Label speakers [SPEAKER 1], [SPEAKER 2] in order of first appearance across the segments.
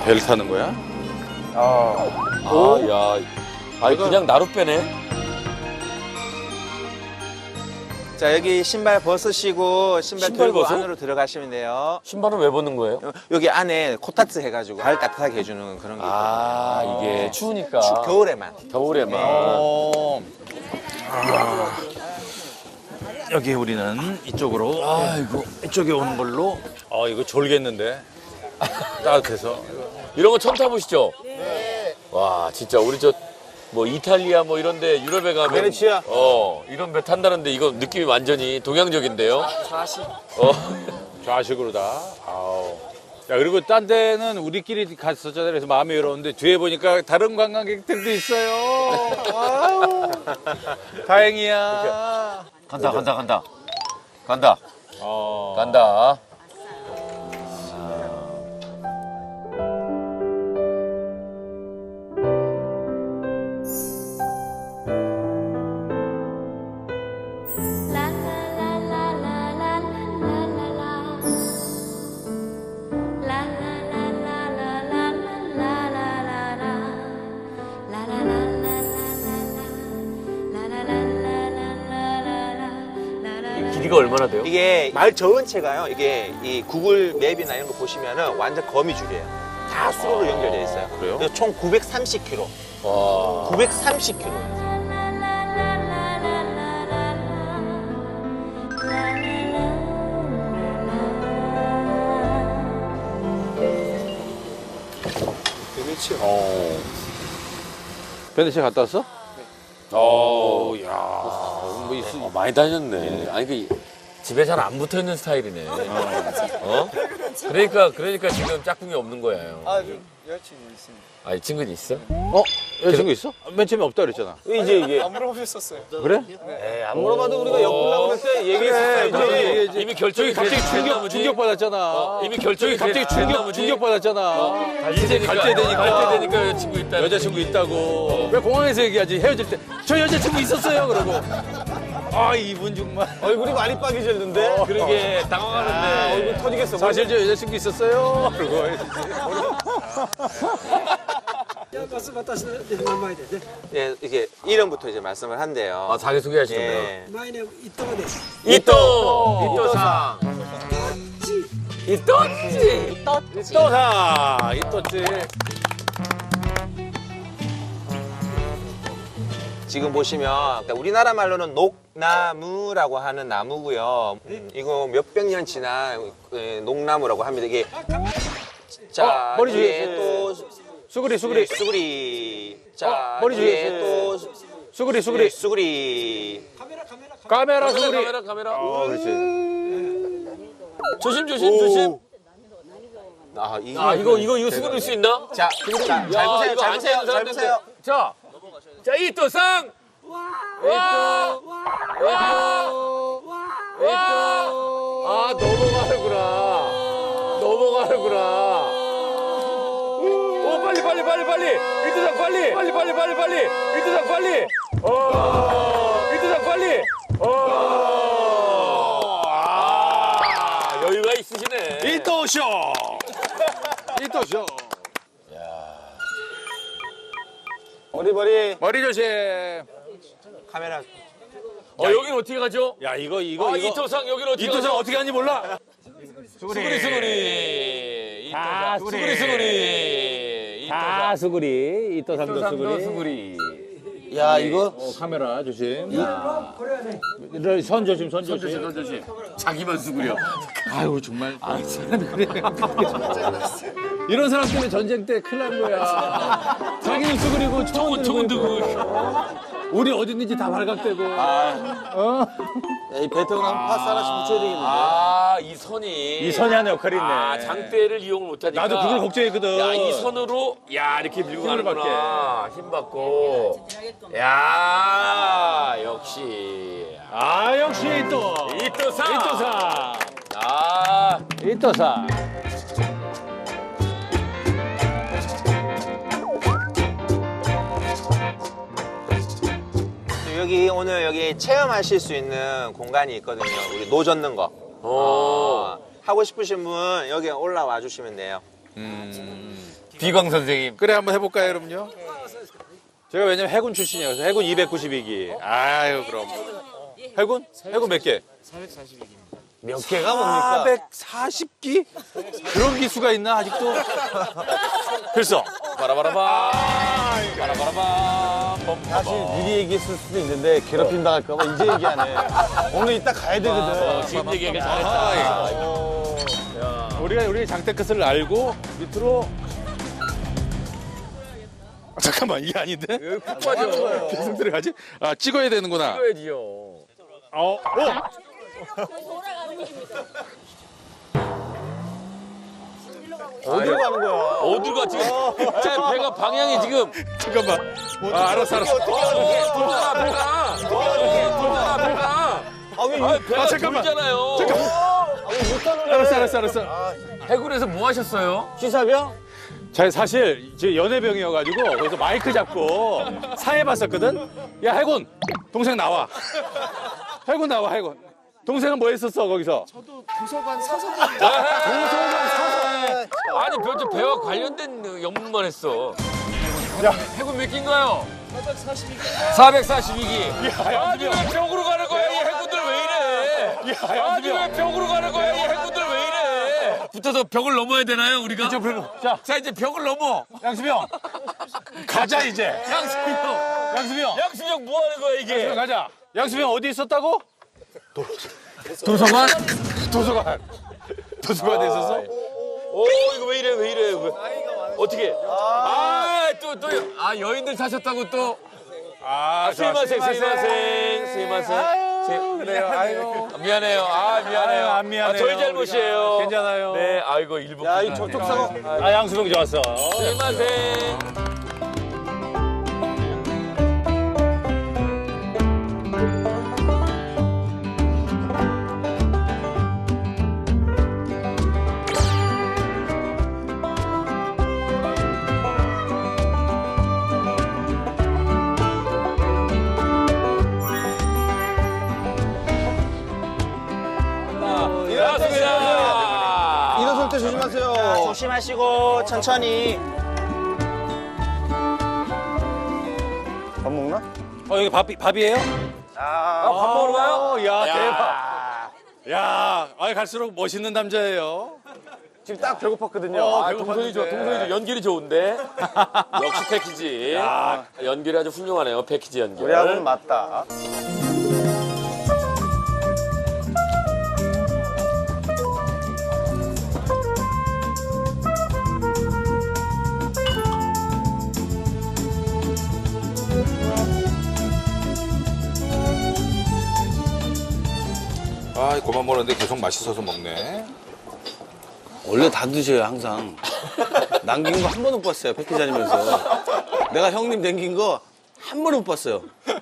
[SPEAKER 1] 배를 타는 거야?
[SPEAKER 2] 야. 아니, 그냥 나루 빼네?
[SPEAKER 3] 자, 여기 신발 벗으시고 신발
[SPEAKER 2] 신발
[SPEAKER 3] 들고
[SPEAKER 2] 벗어?
[SPEAKER 3] 안으로 들어가시면 돼요.
[SPEAKER 2] 신발은 왜 벗는 거예요?
[SPEAKER 3] 여기 안에 코타츠 해가지고 발 따뜻하게 해주는 그런 게 있거든요.
[SPEAKER 2] 이게 추우니까.
[SPEAKER 3] 겨울에만.
[SPEAKER 2] 겨울에만.
[SPEAKER 1] 여기 우리는 이쪽으로
[SPEAKER 2] 아이고.
[SPEAKER 1] 이쪽에 오는 걸로. 이거 졸겠는데. 따뜻해서.
[SPEAKER 2] 이런 거 처음 타보시죠? 네. 와, 진짜 우리 뭐 이탈리아 뭐 이런데 유럽에 가면
[SPEAKER 3] 베네치아.
[SPEAKER 2] 이런 배 탄다는데 이거 느낌이 완전히 동양적인데요?
[SPEAKER 3] 좌식.
[SPEAKER 1] 좌식으로 다. 아우. 야, 그리고 딴 데는 우리끼리 갔었잖아요. 그래서 마음이 외로운데 뒤에 보니까 다른 관광객들도 있어요. 아유. 다행이야.
[SPEAKER 2] 간다. 간다.
[SPEAKER 1] 어.
[SPEAKER 2] 간다. 길이가 얼마나 돼요?
[SPEAKER 3] 이게 말 저은체가요. 이게 이 구글 맵이나 이런 거 보시면은 완전 거미줄이에요. 다 수로로 연결되어 있어요.
[SPEAKER 1] 그래요?
[SPEAKER 3] 그래서 총 930km.
[SPEAKER 2] 와.
[SPEAKER 3] 930km.
[SPEAKER 1] 베네치아 갔다 왔어? 네. 야, 뭐 있어?
[SPEAKER 2] 많이 다녔네. 아니, 집에 잘 안 붙어 있는 스타일이네. 그러니까 지금 짝꿍이 없는 거예요.
[SPEAKER 3] 여자친구 있습니다.
[SPEAKER 2] 아, 이 친구는 있어?
[SPEAKER 1] 여자친구 있어? 맨 처음에 없다 그랬잖아.
[SPEAKER 3] 이게
[SPEAKER 4] 안 물어보셨었어요.
[SPEAKER 1] 그래?
[SPEAKER 3] 안 물어봐도 우리가 엮으려고 그럴 때 얘기했었어요.
[SPEAKER 2] 이미 결정이
[SPEAKER 1] 갑자기
[SPEAKER 2] 됐나
[SPEAKER 1] 충격 받았잖아.
[SPEAKER 2] 이미 결정이
[SPEAKER 1] 갑자기 충격 받았잖아.
[SPEAKER 2] 이제
[SPEAKER 1] 갈 때 되니까
[SPEAKER 2] 여자친구 있다.
[SPEAKER 1] 여자친구 있다고. 왜 공항에서 얘기하지? 헤어질 때 저 여자친구 있었어요. 그러고. 아, 이분 정말.
[SPEAKER 3] 얼굴이 많이 빠개졌는데?
[SPEAKER 2] 그러게 당황하는데.
[SPEAKER 3] 얼굴 터지겠어.
[SPEAKER 1] 사실 저 여자친구 있었어요. 그러고.
[SPEAKER 3] 예, 이게 이름부터 이제 말씀을 한대요.
[SPEAKER 2] 아, 자기 소개하시는데요.
[SPEAKER 3] 예.
[SPEAKER 2] 이또상. 이또지.
[SPEAKER 1] 또사 이또지.
[SPEAKER 3] 지금 보시면 그러니까 우리나라 말로는 녹나무라고 하는 나무고요. 이거 몇백 년 지난 녹나무라고 합니다. 이게 자,
[SPEAKER 1] 머리
[SPEAKER 3] 뒤에
[SPEAKER 1] 주위에
[SPEAKER 3] 또
[SPEAKER 1] 수그리.
[SPEAKER 3] 수구리. 자,
[SPEAKER 1] 머리
[SPEAKER 3] 뒤에
[SPEAKER 1] 주위에
[SPEAKER 3] 또
[SPEAKER 1] 수그리.
[SPEAKER 3] 수구리.
[SPEAKER 1] 카메라 수그리.
[SPEAKER 2] 카메라.
[SPEAKER 1] 그렇지.
[SPEAKER 2] 조심.
[SPEAKER 3] 아,
[SPEAKER 2] 이거 수그릴 수 있나?
[SPEAKER 3] 자, 잘 보세요.
[SPEAKER 2] 이거 안 되는
[SPEAKER 3] 잘 보세요.
[SPEAKER 2] 자, 이또상.
[SPEAKER 1] 아, 넘어가는구나. 오, 빨리. 이또상 빨리. 이또상 빨리. 이또상 빨리.
[SPEAKER 2] 여유가 있으시네.
[SPEAKER 1] 이또쇼. 머리 조심.
[SPEAKER 3] 카메라.
[SPEAKER 2] 여긴 어떻게 가죠?
[SPEAKER 1] 야, 이거.
[SPEAKER 2] 이또상 여긴 어떻게
[SPEAKER 1] 이또상
[SPEAKER 2] 가죠?
[SPEAKER 1] 어떻게 하는지 몰라.
[SPEAKER 2] 수그리.
[SPEAKER 4] 아,
[SPEAKER 2] 수그리.
[SPEAKER 4] 다 수구리. 이또삼도 수구리.
[SPEAKER 2] 수그리.
[SPEAKER 3] 야, 이거
[SPEAKER 1] 카메라 조심. 선 조심.
[SPEAKER 2] 조심. 자기만 수그려.
[SPEAKER 1] 아유, 정말. 사람이 그래. 이런 사람 때문에 전쟁 때 큰일 난 거야. 자기는 수그리고 총은 들고. 우리 어디 있는지 다 발각되고.
[SPEAKER 3] 이 베트남 파스 하나씩 붙여야 되겠는데.
[SPEAKER 2] 이 선이.
[SPEAKER 1] 이 선이 하는 역할이 있네.
[SPEAKER 2] 장대를 이용을 못하니까.
[SPEAKER 1] 나도 그걸 걱정했거든.
[SPEAKER 2] 야, 이 선으로 이렇게 밀고
[SPEAKER 1] 힘을
[SPEAKER 2] 가는구나. 힘 받고. 야, 역시.
[SPEAKER 1] 역시
[SPEAKER 2] 이또상.
[SPEAKER 1] 이또사.
[SPEAKER 3] 여기 오늘 여기 체험하실 수 있는 공간이 있거든요. 우리 노 젓는 거. 하고 싶으신 분 여기 올라와 주시면 돼요.
[SPEAKER 2] 비광 선생님.
[SPEAKER 1] 그래 한번 해볼까요, 여러분요? 제가 왜냐면 해군 출신이에요. 그래서 해군 292기. 아유 그럼. 해군? 해군 몇 개?
[SPEAKER 3] 몇 개가 뭡니까?
[SPEAKER 1] 440기? 그런 기수가 있나 아직도? 글쎄.
[SPEAKER 2] 바라바라밤. 바라바라밤.
[SPEAKER 5] 사실 미리 얘기했을 수도 있는데 괴롭힘 당할까봐 이제 얘기하네. 오늘 이따 가야 되거든.
[SPEAKER 2] 지금 얘기하기 잘했다.
[SPEAKER 1] 우리 장대 끝을 알고 밑으로. 잠깐만 이게 아닌데?
[SPEAKER 2] 푹 빠져.
[SPEAKER 1] 계속 들어가지? 아 찍어야 되는구나.
[SPEAKER 2] 찍어야지요.
[SPEAKER 5] 어디로 가는 거야?
[SPEAKER 2] 어디가 지금? 제 배가 방향이 지금.
[SPEAKER 1] 잠깐만. 아 알았어.
[SPEAKER 2] 돌아가 배가. 돌아가 배가. 배가
[SPEAKER 1] 잠깐만.
[SPEAKER 2] 돌잖아요.
[SPEAKER 1] 알았어.
[SPEAKER 2] 해군에서 뭐 하셨어요?
[SPEAKER 5] 시사병?
[SPEAKER 1] 자 사실 제 연애병이어가지고 거기서 마이크 잡고 사회봤었거든. 야 해군 동생 나와. 해군 나와 해군. 동생은 뭐 했었어 거기서?
[SPEAKER 2] 아니 저 배와 관련된 연문만 했어. 해군 몇 기인가요? 442기. 아니 왜 벽으로 가는 거야 이 해군들 왜 이래? 아니 왜 벽으로 가는 거야 이 해군들 왜 이래? 붙어서 벽을 넘어야 되나요 우리가? 자 이제 벽을 넘어.
[SPEAKER 1] 양수병 가자 이제.
[SPEAKER 2] 양수병. 양수병 뭐 하는 거야 이게?
[SPEAKER 1] 가자. 양수병 어디 있었다고?
[SPEAKER 2] 도서관?
[SPEAKER 1] 도서관에 있었어?
[SPEAKER 2] 오 이거 왜 이래? 어떻게? 또 여인들 사셨다고 또. 스미마셍.
[SPEAKER 1] 그래요. 아이고.
[SPEAKER 2] 미안해요. 미안해요.
[SPEAKER 1] 안 미안해요.
[SPEAKER 2] 저희 잘못이에요.
[SPEAKER 1] 괜찮아요.
[SPEAKER 2] 네, 아이고 일본.
[SPEAKER 5] 야, 이 저쪽 사고.
[SPEAKER 1] 양수병 좋았어.
[SPEAKER 2] 스미마셍.
[SPEAKER 5] 일어설 때 조심하세요.
[SPEAKER 3] 조심하시고 천천히.
[SPEAKER 5] 밥 먹나?
[SPEAKER 1] 여기 밥이에요?
[SPEAKER 2] 밥 먹으러 가요?
[SPEAKER 1] 야 대박. 야, 갈수록 멋있는 남자예요.
[SPEAKER 5] 지금 딱 배고팠거든요.
[SPEAKER 2] 동선이 좋아. 연결이 좋은데. 역시 패키지. 연결이 아주 훌륭하네요. 패키지 연결.
[SPEAKER 5] 우리하고는 맞다.
[SPEAKER 1] 아, 그만 먹는데 계속 맛있어서 먹네.
[SPEAKER 5] 원래 다 드셔요, 항상. 남긴 거 한 번도 못 봤어요, 패키지 다니면서. 내가 형님 남긴 거 한 번도 못 봤어요.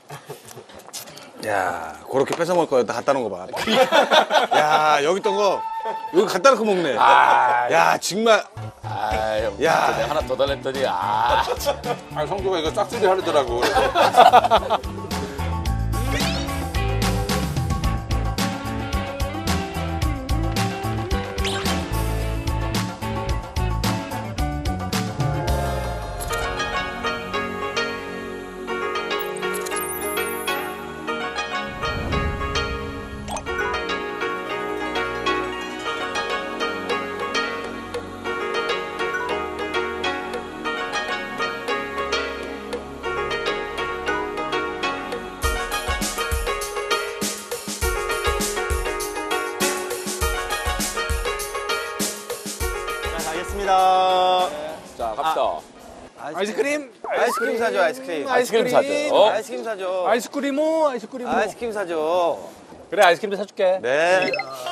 [SPEAKER 5] 야, 그렇게 뺏어 먹을 거였다 갖다 놓은 거 봐. 야, 여기 있던 거, 여기 갖다 놓고 먹네. 야, 정말.
[SPEAKER 2] 아유,
[SPEAKER 5] 야.
[SPEAKER 2] 내가 하나 더 달랬더니
[SPEAKER 1] 성주가 이거 짝수리 하더라고.
[SPEAKER 5] 가겠습니다.
[SPEAKER 2] 자, 갑시다.
[SPEAKER 1] 아이스크림?
[SPEAKER 5] 아이스크림 사줘, 아이스크림.
[SPEAKER 2] 아이스크림 사죠.
[SPEAKER 5] 아이스크림 사줘.
[SPEAKER 1] 아이스크림오.
[SPEAKER 5] 아이스크림 사줘.
[SPEAKER 1] 그래, 아이스크림도 사줄게.
[SPEAKER 5] 네.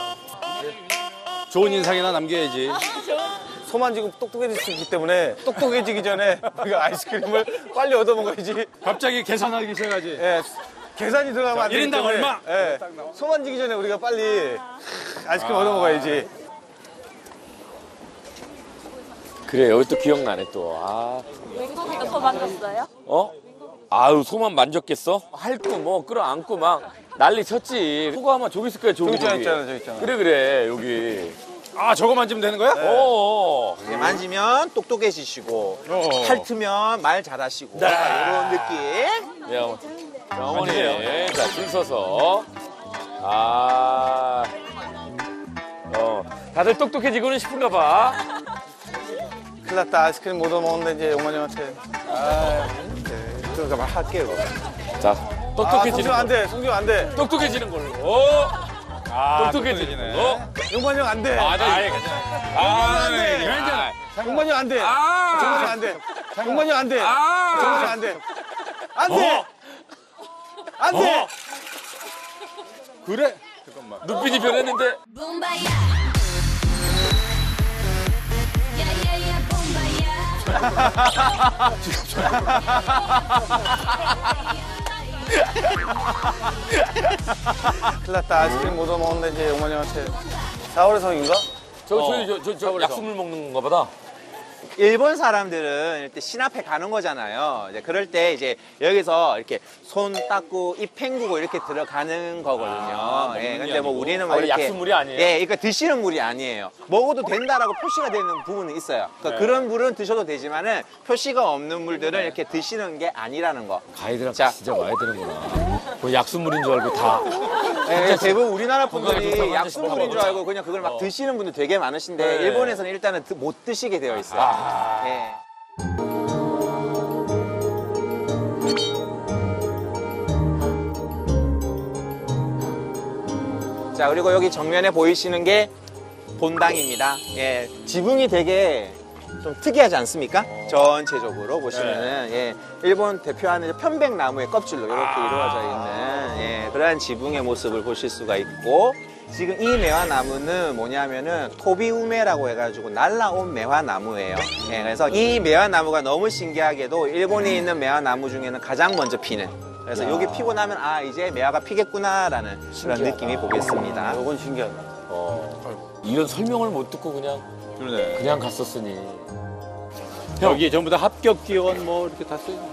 [SPEAKER 1] 좋은 인상이나 남겨야지.
[SPEAKER 5] 소만 지금 똑똑해질 수 있기 때문에 똑똑해지기 전에 우리가 아이스크림을 빨리 얻어 먹어야지.
[SPEAKER 1] 갑자기 계산하기 시작하지.
[SPEAKER 5] 예. 계산이 들어가면 안 되기
[SPEAKER 1] 1인당
[SPEAKER 5] 때문에.
[SPEAKER 1] 얼마?
[SPEAKER 5] 예. 소만 지기 전에 우리가 빨리 아이스크림 얻어 먹어야지.
[SPEAKER 2] 그래, 여기 또 기억나네 또.
[SPEAKER 6] 맹고기도 더 만졌어요?
[SPEAKER 2] 아유, 소만 만졌겠어? 핥고 뭐 끌어안고 막 난리 쳤지. 소가 아마 저기 있을 거야, 저기.
[SPEAKER 5] 저기 있잖아, 저기 있잖아.
[SPEAKER 2] 그래, 여기. 아, 저거 만지면 되는 거야? 오.
[SPEAKER 3] 이렇게 만지면 똑똑해지시고 핥으면 말 잘하시고
[SPEAKER 2] 네.
[SPEAKER 3] 이런 느낌.
[SPEAKER 2] 야, 어머니. 자, 줄 서서. 아. 다들 똑똑해지고는 싶은가 봐.
[SPEAKER 5] 큰일 났다. 아이스크림 못 얻어먹는데 이제 용만이 형한테. 그러니까 말 할게요.
[SPEAKER 2] 자, 똑똑해지는
[SPEAKER 5] 송지호 안
[SPEAKER 2] 걸로.
[SPEAKER 5] 돼. 송지호 안 돼.
[SPEAKER 2] 똑똑해지는 걸로. 똑똑해지는 걸로.
[SPEAKER 5] 용만이 형 안 돼.
[SPEAKER 2] 아, 나 아예 괜찮아. 아, 괜찮아.
[SPEAKER 5] 용만이 형 안 돼.
[SPEAKER 2] 아.
[SPEAKER 5] 용만이 형 안 돼. 용만이 형 안 돼.
[SPEAKER 2] 아.
[SPEAKER 5] 용만이 형 안 돼. 안 돼. 안 돼.
[SPEAKER 2] 그래? 눈빛이 변했는데.
[SPEAKER 7] Bombaya. Yeah, yeah, yeah, bombaya.
[SPEAKER 5] 큰일 났다. 아이스크림 못 얻어먹는데 이제 용만이 형한테. 4월의 성인가?
[SPEAKER 2] 저 약수물 먹는 건가 보다.
[SPEAKER 3] 일본 사람들은 이렇게 신 앞에 가는 거잖아요. 이제 그럴 때 이제 여기서 이렇게 손 닦고 입 헹구고 이렇게 들어가는 거거든요. 예, 근데 뭐 우리는 뭐
[SPEAKER 2] 아니,
[SPEAKER 3] 이렇게
[SPEAKER 2] 약수물이 아니에요?
[SPEAKER 3] 예, 그러니까 드시는 물이 아니에요. 먹어도 된다라고 표시가 되는 부분은 있어요. 그러니까 그런 물은 드셔도 되지만은 표시가 없는 물들은 이렇게 드시는 게 아니라는 거.
[SPEAKER 2] 가이드랑
[SPEAKER 3] 자.
[SPEAKER 2] 진짜 와야 되는구나. 그 약수물인 줄 알고 다.
[SPEAKER 3] 예, 대부분 우리나라
[SPEAKER 2] 건강에 좋다고
[SPEAKER 3] 분들이
[SPEAKER 2] 한 잔씩
[SPEAKER 3] 약수물인 줄
[SPEAKER 2] 먹어보자.
[SPEAKER 3] 알고 그냥 그걸 막 드시는 분들 되게 많으신데
[SPEAKER 2] 네.
[SPEAKER 3] 일본에서는 일단은 못 드시게 되어 있어요. 예. 자, 그리고 여기 정면에 보이시는 게 본당입니다. 예, 지붕이 되게 좀 특이하지 않습니까? 전체적으로 보시면은 예, 일본 대표하는 편백나무의 껍질로 이렇게 이루어져 있는 예, 그러한 지붕의 모습을 보실 수가 있고 지금 이 매화나무는 뭐냐면은 토비우메라고 해가지고 날라온 매화나무예요. 예, 그래서 이 매화나무가 너무 신기하게도 일본에 있는 매화나무 중에는 가장 먼저 피는. 그래서 여기 피고 나면 아 이제 매화가 피겠구나라는 그런 느낌이 보겠습니다.
[SPEAKER 5] 이건 신기하다.
[SPEAKER 2] 이런 설명을 못 듣고 그냥 갔었으니.
[SPEAKER 1] 여기 전부 다 합격 기원 뭐 이렇게 다 써있네.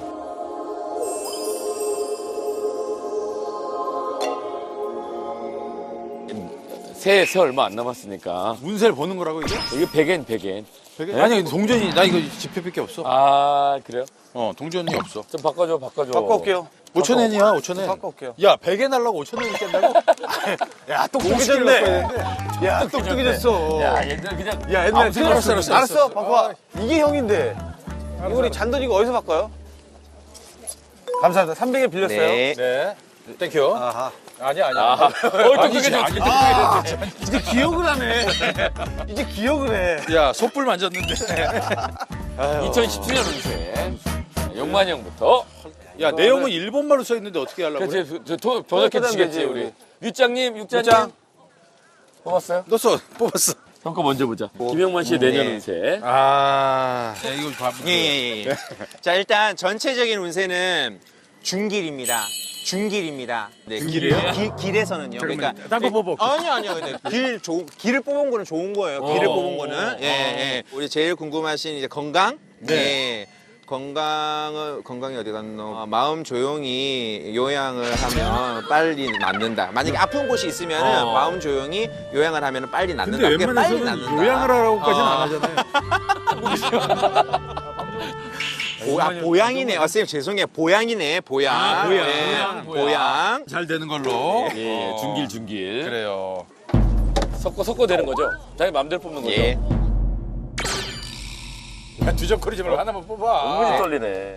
[SPEAKER 2] 새해 얼마 안 남았으니까.
[SPEAKER 1] 운세를 보는 거라고 이게?
[SPEAKER 2] 이게 백엔.
[SPEAKER 1] 아니 근데 동전이 나 이거 지폐밖에 없어.
[SPEAKER 2] 아, 그래요?
[SPEAKER 1] 동전이 없어.
[SPEAKER 2] 좀 바꿔줘.
[SPEAKER 5] 바꿔 올게요.
[SPEAKER 1] 5,000엔이야 5,000엔.
[SPEAKER 5] 바꿔 올게요.
[SPEAKER 1] 야 100엔 하려고 5,000엔을 깬다고?
[SPEAKER 5] 야, 똑똑해졌네. 야, 똑똑해졌어.
[SPEAKER 2] 야, 옛날 그냥.
[SPEAKER 5] 야, 옛날에
[SPEAKER 1] 알았어.
[SPEAKER 5] 알았어, 바꿔. 이게 형인데. 이거 우리 잔돈 이거 어디서 바꿔요? 감사합니다. 300에 빌렸어요.
[SPEAKER 3] 네.
[SPEAKER 1] 네. 땡큐.
[SPEAKER 5] 아하.
[SPEAKER 1] 아니야.
[SPEAKER 2] 똑똑해졌어.
[SPEAKER 5] 이제 기억을 하네. 이제 기억을 해.
[SPEAKER 1] 야 솥불 만졌는데.
[SPEAKER 2] 2017년 운세. 용만 형부터.
[SPEAKER 1] 야 내용은 일본말로 써 있는데 어떻게 하려고 그래?
[SPEAKER 2] 그렇지, 번역해주시겠지, 우리. 육장님. 뽑았어요?
[SPEAKER 1] 넣었어. 뽑았어.
[SPEAKER 2] 형 거 먼저 보자. 김영만 씨의 내년
[SPEAKER 3] 네.
[SPEAKER 2] 운세.
[SPEAKER 1] 아. 야, 이거 봐.
[SPEAKER 3] 예. 자, 일단 전체적인 운세는 중길입니다. 네,
[SPEAKER 1] 중길이에요?
[SPEAKER 3] 길에서는요. 그러니까
[SPEAKER 1] 딴거 뽑아.
[SPEAKER 3] 아니요. 근데 길을 뽑은 거는 좋은 거예요. 길을 뽑은 거는. 예. 우리 제일 궁금하신 이제 건강.
[SPEAKER 1] 네.
[SPEAKER 3] 예. 건강이 어디 갔노? 마음 조용히 요양을 하면 빨리 낫는다. 만약에 아픈 곳이 있으면은 마음 조용히 요양을 하면 빨리 낫는다.
[SPEAKER 1] 근데
[SPEAKER 3] 그게 빨리
[SPEAKER 1] 웬만해서는
[SPEAKER 3] 낫는다.
[SPEAKER 1] 요양을 하라고까지는 안 하잖아요.
[SPEAKER 3] 보양이네. 선생님 죄송해요. 보양이네. 보양. 보양.
[SPEAKER 1] 잘 되는 걸로.
[SPEAKER 2] 예, 중길.
[SPEAKER 1] 그래요.
[SPEAKER 2] 섞어 되는 거죠? 자기 마음대로 뽑는 거죠?
[SPEAKER 3] 예.
[SPEAKER 1] 두적거리지 말고 하나만 뽑아.
[SPEAKER 2] 은근히 떨리네.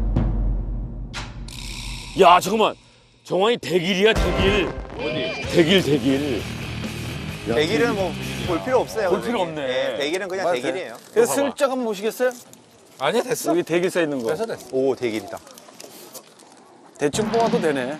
[SPEAKER 2] 야, 잠깐만. 정환이 대길이야, 대길. 어디? 대길.
[SPEAKER 3] 대길은 뭐 볼 필요 없어요.
[SPEAKER 2] 볼 필요 없네.
[SPEAKER 3] 예, 대길은 그냥 대길이에요.
[SPEAKER 5] 그래서 슬쩍 한번 보시겠어요?
[SPEAKER 1] 아니야 됐어.
[SPEAKER 5] 여기 대길 써 있는 거.
[SPEAKER 1] 됐어.
[SPEAKER 3] 오, 대길이다.
[SPEAKER 5] 대충 뽑아도 되네.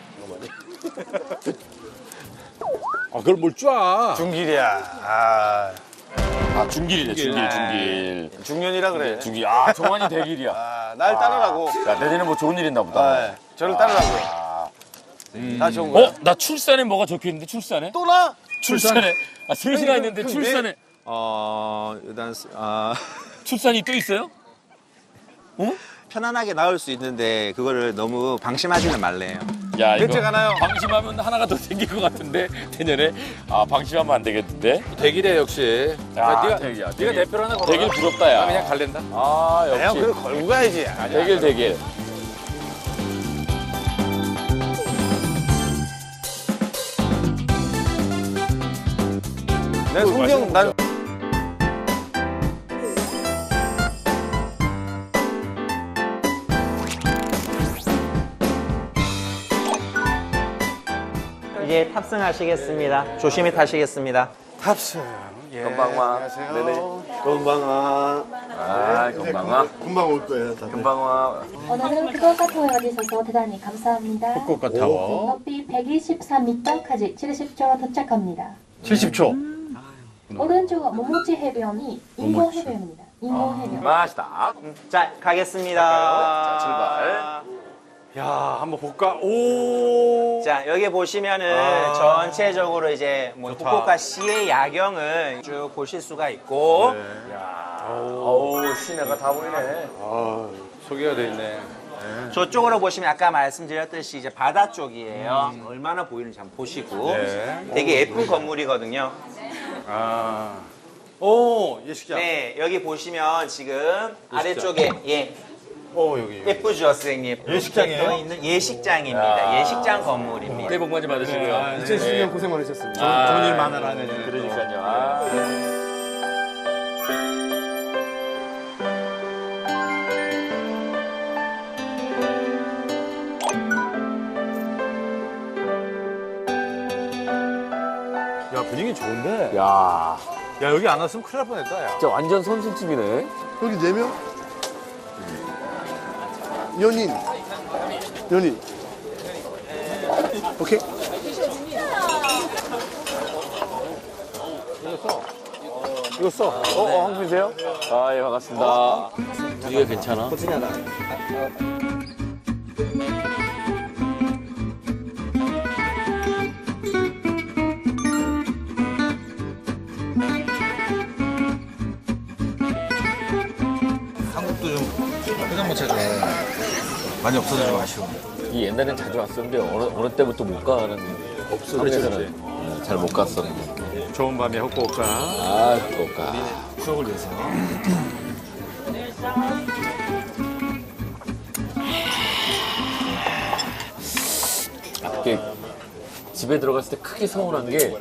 [SPEAKER 1] 아 그걸 뭘 쫙.
[SPEAKER 5] 중길이야. 아,
[SPEAKER 2] 중길이네, 중길.
[SPEAKER 5] 중년이라 그래.
[SPEAKER 2] 중길. 아, 정환이 대길이야.
[SPEAKER 5] 아, 날 따르라고.
[SPEAKER 2] 야, 내년에 뭐 좋은 일 있나 보다.
[SPEAKER 5] 아, 저를 따르라고. 다 좋은 거야.
[SPEAKER 2] 나 출산에 뭐가 적혀 있는데, 출산에?
[SPEAKER 5] 또 나?
[SPEAKER 2] 출산에. 아, 셋이나 있는데,
[SPEAKER 5] 근데-
[SPEAKER 2] 출산에.
[SPEAKER 3] 일단
[SPEAKER 2] 출산이 또 있어요?
[SPEAKER 3] 편안하게 나올 수 있는데 그거를 너무 방심하지는 말래요.
[SPEAKER 2] 야, 이거
[SPEAKER 5] 괜찮아요.
[SPEAKER 2] 방심하면 하나가 더 생길 것 같은데 내년에 아 방심하면 안 되겠는데.
[SPEAKER 1] 대길이야 역시.
[SPEAKER 2] 야,
[SPEAKER 1] 네가 대표로 하나 걸어.
[SPEAKER 2] 대길 부럽다 야.
[SPEAKER 1] 그냥 갈랜다.
[SPEAKER 2] 아
[SPEAKER 5] 형
[SPEAKER 2] 역시
[SPEAKER 5] 그걸 걸고 가야지.
[SPEAKER 2] 대길.
[SPEAKER 5] 내 송경 난
[SPEAKER 3] 이제 탑승하시겠습니다. 조심히 타시겠습니다.
[SPEAKER 5] 탑승. 예.
[SPEAKER 2] 건방와. 네네.
[SPEAKER 5] 건방아.
[SPEAKER 2] 아 건방와.
[SPEAKER 5] 금방 올 거예요. 다들.
[SPEAKER 2] 건방와.
[SPEAKER 6] 오늘은 후쿠오카 타워에 와주셔서 대단히 감사합니다.
[SPEAKER 1] 후쿠오카 타워.
[SPEAKER 6] 높이 123m까지 70초 도착합니다.
[SPEAKER 1] 70초.
[SPEAKER 6] 오른쪽 모모치 해변이 인공 해변입니다. 인공 해변.
[SPEAKER 2] 맛있다.
[SPEAKER 3] 자, 가겠습니다.
[SPEAKER 2] 자, 출발.
[SPEAKER 1] 야 한번 볼까? 오.
[SPEAKER 3] 자, 여기 보시면은 전체적으로 이제 뭐 후쿠오카 시의 야경을 쭉 보실 수가 있고
[SPEAKER 2] 어우 시내가 다 보이네.
[SPEAKER 1] 소개가 돼 있네.
[SPEAKER 3] 저쪽으로 보시면 아까 말씀드렸듯이 이제 바다 쪽이에요. 얼마나 보이는지 한번 보시고 되게 예쁜 건물이거든요.
[SPEAKER 1] 아. 오 예식장.
[SPEAKER 3] 네, 여기 보시면 지금 아래쪽에
[SPEAKER 1] 여기.
[SPEAKER 3] 예쁘죠, 선생님?
[SPEAKER 1] 예식장이에요?
[SPEAKER 3] 떠 있는 예식장입니다. 예식장 건물입니다.
[SPEAKER 2] 새해 복 많이 받으시고요.
[SPEAKER 1] 2010년 고생 많으셨습니다.
[SPEAKER 2] 좋은
[SPEAKER 1] 일 많아라 내년.
[SPEAKER 2] 그러니까요. 아.
[SPEAKER 1] 야 분위기 좋은데.
[SPEAKER 2] 야,
[SPEAKER 1] 야 여기 안 왔으면 큰일 날 뻔했다. 야.
[SPEAKER 2] 진짜 완전 선술집이네.
[SPEAKER 8] 여기 4명? 연인. 오케이.
[SPEAKER 1] 이거 써.
[SPEAKER 2] 황수이세요? 아, 예, 반갑습니다. 분위기가 괜찮아?
[SPEAKER 5] 한국도 좀 포장마차가 많이 없어져서 아쉬워.
[SPEAKER 2] 이 옛날엔 자주 왔었는데 어느 때부터 못 가는 없어져서는 잘 못 갔었는데.
[SPEAKER 1] 좋은 밤에 후쿠오카.
[SPEAKER 2] 아, 그거까.
[SPEAKER 5] 추억을 위해서.
[SPEAKER 2] 이게 집에 들어갔을 때 크게 서운한 게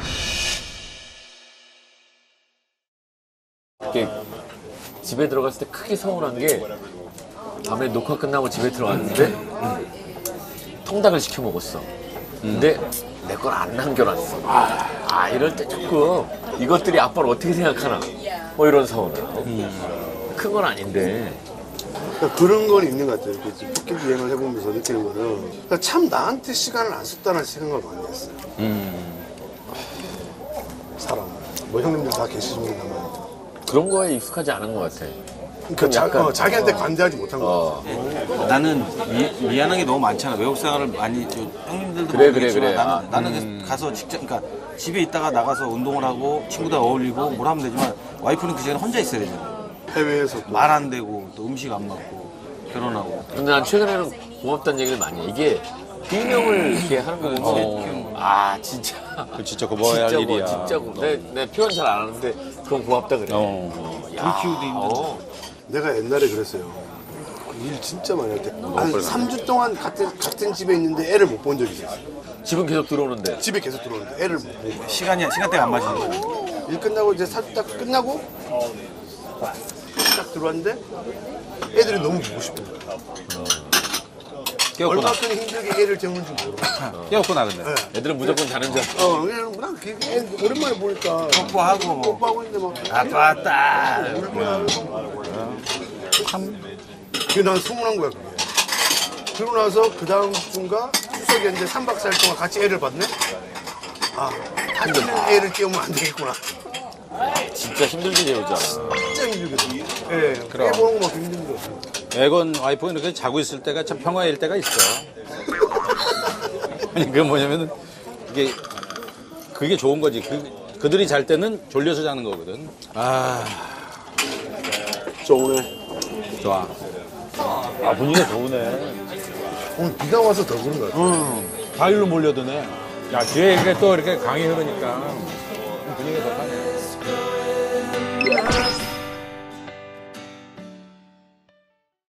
[SPEAKER 2] 이게 집에 들어갔을 때 크게 서운한 게 밤에 녹화 끝나고 집에 들어왔는데 통닭을 시켜 먹었어. 근데 내 걸 안 남겨놨어. 이럴 때 조금 이것들이 아빠를 어떻게 생각하나 뭐 이런 서운을. 큰 건 아닌데.
[SPEAKER 8] 그러니까 그런 건 있는 것 같아요. 이렇게 포켓 여행을 해보면서 느끼는 거는 그러니까 참 나한테 시간을 안 썼다는 생각을 많이 했어요. 사람. 뭐 형님들 다 계시지만
[SPEAKER 2] 그런 거에 익숙하지 않은 것 같아.
[SPEAKER 8] 그러니까 자기한테 관대하지 못한 거 같아요.
[SPEAKER 5] 나는 미안한 게 너무 많잖아. 외국 생활을 많이 형님들도
[SPEAKER 2] 그래,
[SPEAKER 5] 모르겠지만
[SPEAKER 2] 그래.
[SPEAKER 5] 나는 가서 직접 그러니까 집에 있다가 나가서 운동을 하고 친구들 어울리고 뭘 하면 되지만 와이프는 그 시간에 혼자 있어야 되잖아.
[SPEAKER 8] 해외에서
[SPEAKER 5] 말 안 되고 또 음식 안 맞고 결혼하고.
[SPEAKER 2] 근데 난 최근에는 고맙다는 얘기를 많이 해. 이게 비명을 이렇게 하는 거거든. 진짜.
[SPEAKER 1] 그 진짜 고마워야 할 일이야.
[SPEAKER 2] 진짜 고마워. 내 표현 잘 안 하는데 그건 고맙다 그래.
[SPEAKER 5] 우리 키우도 힘든데.
[SPEAKER 8] 내가 옛날에 그랬어요. 일 진짜 많이 할 때. 한 3주 동안 같은 집에 있는데 애를 못 본 적이 있어요.
[SPEAKER 2] 집은 계속 들어오는데.
[SPEAKER 8] 집에 계속 들어오는데 애를 못 보고.
[SPEAKER 5] 시간대가 안 맞으는 거야.
[SPEAKER 8] 일 끝나고 이제 사주 딱 끝나고 딱 들어왔는데 애들이 너무 보고 싶은 거야.
[SPEAKER 1] 깨웠구나.
[SPEAKER 8] 얼마큼 힘들게 애를 재우는지 모르고.
[SPEAKER 1] 깨웠구나 근데.
[SPEAKER 2] 애들은 무조건 자는 줄.
[SPEAKER 8] 그냥 난 애 오랜만에 보니까
[SPEAKER 5] 뽀뽀하고 뭐.
[SPEAKER 8] 뽀뽀하고 있는데 막
[SPEAKER 5] 아빠 왔다.
[SPEAKER 8] 그게 난 서운한 거야 그게. 그러고 나서 그 다음 주인가 추석이었는데 3박 4일 동안 같이 애를 봤네. 다치는 애를 깨우면 안 되겠구나.
[SPEAKER 2] 진짜 힘들게 재우잖아.
[SPEAKER 8] 진짜 힘들거든. 예, 애 보는 거 막 힘들어.
[SPEAKER 1] 애건 와이프가 이렇게 자고 있을 때가 참 평화일 때가 있어. 아니 그게 뭐냐면은 그게 좋은 거지. 그들이 잘 때는 졸려서 자는 거거든.
[SPEAKER 8] 저 오늘
[SPEAKER 1] 좋아. 아, 분위기가 좋으네.
[SPEAKER 8] 오늘 비가 와서 더 그런 것 같아.
[SPEAKER 1] 바위로 몰려드네. 야, 뒤에 이렇게 또 이렇게 강이 흐르니까 분위기가 좋네.